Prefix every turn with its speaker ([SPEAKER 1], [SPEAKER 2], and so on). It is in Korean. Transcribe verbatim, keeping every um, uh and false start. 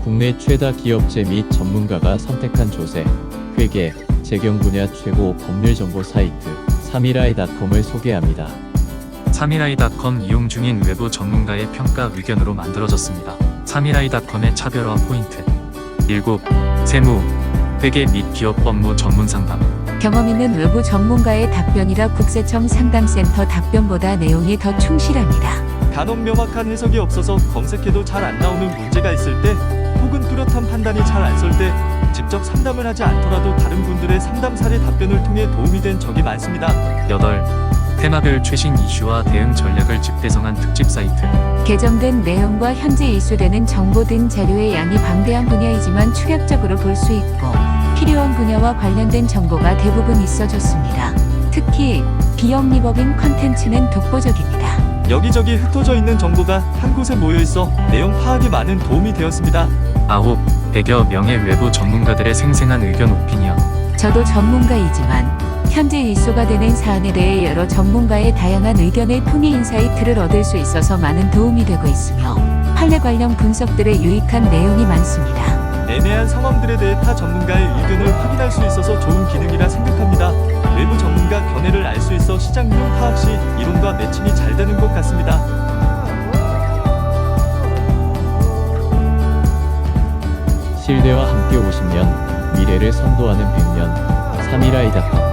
[SPEAKER 1] 국내 최다 기업체 및 전문가가 선택한 조세, 회계, 재경 분야 최고 법률 정보 사이트 삼일아이닷컴을 소개합니다.
[SPEAKER 2] 삼일아이닷컴 이용 중인 외부 전문가의 평가 의견으로 만들어졌습니다. 삼일아이닷컴의 차별화 포인트 일곱. 세무, 회계 및 기업 업무 전문 상담.
[SPEAKER 3] 경험 있는 외부 전문가의 답변이라 국세청 상담센터 답변보다 내용이 더 충실합니다.
[SPEAKER 4] 간혹 명확한 해석이 없어서 검색해도 잘 안 나오는 문제가 있을 때, 혹은 뚜렷한 판단이 잘 안 설 때 직접 상담을 하지 않더라도 다른 분들의 상담 사례 답변을 통해 도움이 된 적이 많습니다.
[SPEAKER 2] 여덟. 테마별 최신 이슈와 대응 전략을 집대성한 특집 사이트.
[SPEAKER 3] 개정된 내용과 현재 이수되는 정보 등 자료의 양이 방대한 분야이지만 추격적으로 볼 수 있고 필요한 분야와 관련된 정보가 대부분 있어졌습니다. 특히 비영리법인 컨텐츠는 독보적입니다.
[SPEAKER 4] 여기저기 흩어져 있는 정보가 한 곳에 모여 있어 내용 파악에 많은 도움이 되었습니다.
[SPEAKER 2] 아홉. 백여 명의 외부 전문가들의 생생한 의견 오피니언.
[SPEAKER 3] 저도 전문가이지만 현재 이슈가 되는 사안에 대해 여러 전문가의 다양한 의견을 통해 인사이트를 얻을 수 있어서 많은 도움이 되고 있으며 판례 관련 분석들의 유익한 내용이 많습니다.
[SPEAKER 4] 애매한 상황들에 대해 타 전문가의 의견을 확인할 수 있어서 좋은 기능이라 생각합니다. 외부 전문가 견해를 알 수 있어 시장 흐름 파악 시 이론과 매칭이 잘 되는 것 같습니다.
[SPEAKER 1] 신뢰와 함께 오십 년, 미래를 선도하는 백 년, 삼일아이닷컴.